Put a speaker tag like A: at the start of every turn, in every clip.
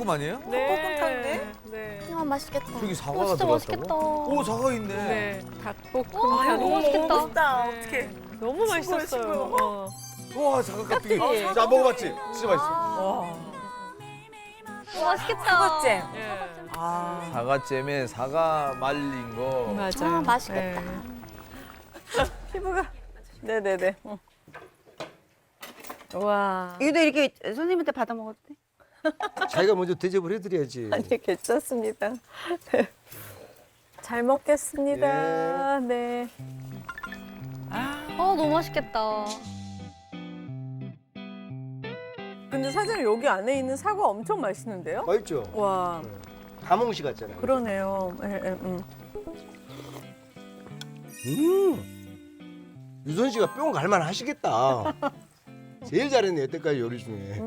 A: 닭볶음 아니에요?
B: 닭볶음탕인데?
C: 네.
D: 와 맛있겠다.
A: 저기 사과가
D: 진짜
A: 들어갔다고?
D: 맛있겠다.
A: 오, 사과 있네.
C: 네.
D: 아이고,
C: 닭볶음탕.
D: 너무 맛있겠다.
B: 먹고 싶다.
C: 네.
B: 어떡해.
C: 너무 맛있었어요.
B: 싱거워요.
C: 어.
A: 와, 사과 깍두기.
C: 깍두기.
A: 자, 먹어봤지? 진짜 맛있어.
C: 와.
D: 맛있겠다.
B: 사과잼.
C: 예.
B: 아.
A: 사과잼에 사과 말린 거.
C: 맞아요.
D: 아, 맛있겠다.
C: 네.
B: 피부가.
C: 네네네. 와.
B: 이거 이렇게 손님한테 받아 먹어도 돼?
E: 자기가 먼저 대접을 해드려야지.
C: 아니 괜찮습니다. 네. 잘 먹겠습니다. 네.
D: 너무 맛있겠다.
C: 근데 사장님 여기 안에 있는 사과 엄청 맛있는데요?
E: 맛있죠?
C: 와.
E: 가몽시 같잖아요.
C: 그러네요.
E: 유선 씨가 뿅 갈만 하시겠다. 제일 잘했네 여태까지 요리 중에.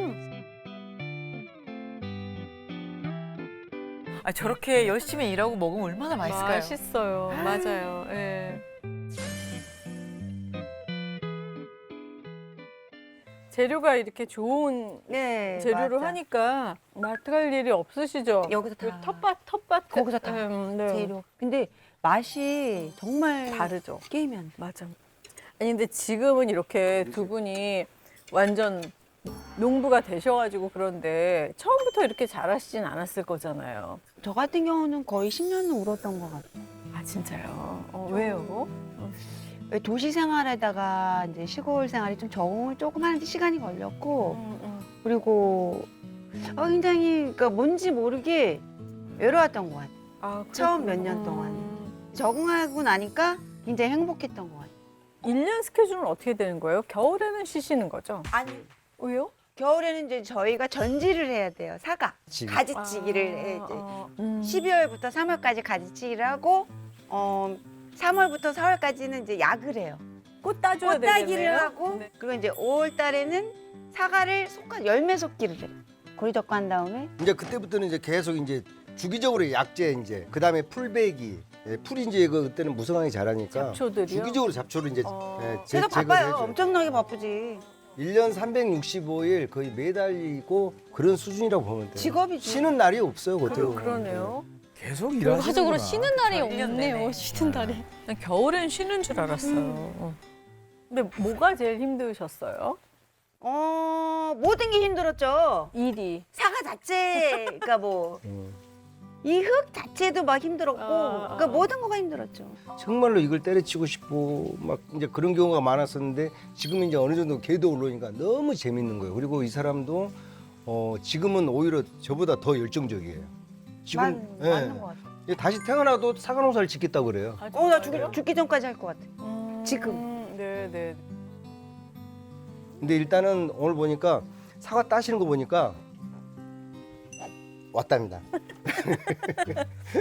B: 아, 저렇게 열심히 일하고 먹으면 얼마나 맛있을까요?
C: 맛있어요. 맞아요. 예. 재료가 이렇게 좋은
B: 네.
C: 재료로
B: 맞아.
C: 하니까 마트 갈 일이 없으시죠?
B: 여기서
C: 그
B: 다.
C: 텃밭
B: 거기서 다.
C: 네.
B: 재료. 근데 맛이 정말
C: 다르죠.
B: 게임이 안 돼.
C: 맞아. 아니 근데 지금은 이렇게 두 분이 완전 농부가 되셔가지고 그런데 처음부터 이렇게 잘하시진 않았을 거잖아요.
B: 저 같은 경우는 거의 10년은 울었던 것 같아요.
C: 아 진짜요? 왜요?
B: 왜 도시 생활에다가 이제 시골 생활이 좀 적응을 조금 하는데 시간이 걸렸고 그리고 굉장히 그러니까 뭔지 모르게 외로웠던 것 같아요.
C: 아,
B: 처음 몇 년 동안. 적응하고 나니까 굉장히 행복했던 것 같아요.
C: 1년 스케줄은 어떻게 되는 거예요? 겨울에는 쉬시는 거죠?
B: 아니
C: 왜요?
B: 겨울에는 이제 저희가 전지를 해야 돼요. 사과,
E: 지.
B: 가지치기를 해. 이제.
C: 아,
B: 12월부터 3월까지 가지치기를 하고 3월부터 4월까지는 이제 약을 해요.
C: 꽃 따줘야
B: 꽃 따기를
C: 되겠네요?
B: 하고
C: 네.
B: 그리고 이제 5월 달에는 사과를 열매 솎기를 해요. 고리적고 한 다음에
E: 이제 그때부터는 이제 계속 이제 주기적으로 약재 이제 그다음에 풀베기. 풀이 이제 그때는 무성하게 자라니까
C: 잡초들이요?
E: 주기적으로 잡초를 이제
B: 제가
E: 제거를
B: 바빠요.
E: 해줘요.
B: 엄청나게 바쁘지.
E: 1년 365일 거의 매달리고 그런 수준이라고 보면 돼요.
B: 직업이죠.
E: 쉬는 날이 없어요, 그때는.
C: 그러네요.
A: 계속 일하시는구나.
D: 결과적으로 쉬는 날이
B: 1년 내내.
D: 없네요. 쉬는 날이.
C: 난 겨울엔 쉬는 줄 알았어요. 근데 뭐가 제일 힘드셨어요?
B: 모든 게 힘들었죠.
C: 일이.
B: 사과 자체가 뭐 이 흙 자체도 막 힘들었고 그러니까 모든 거가 힘들었죠.
E: 정말로 이걸 때려치고 싶고 막 이제 그런 경우가 많았었는데 지금 이제 어느 정도 궤도 올라오니까 너무 재밌는 거예요. 그리고 이 사람도 지금은 오히려 저보다 더 열정적이에요. 지금
B: 맞는 것 같아.
E: 다시 태어나도 사과 농사를 짓겠다고 그래요.
B: 나 죽기 전까지 할 것 같아. 지금.
C: 네네.
E: 근데 일단은 오늘 보니까 사과 따시는 거 보니까 왔답니다.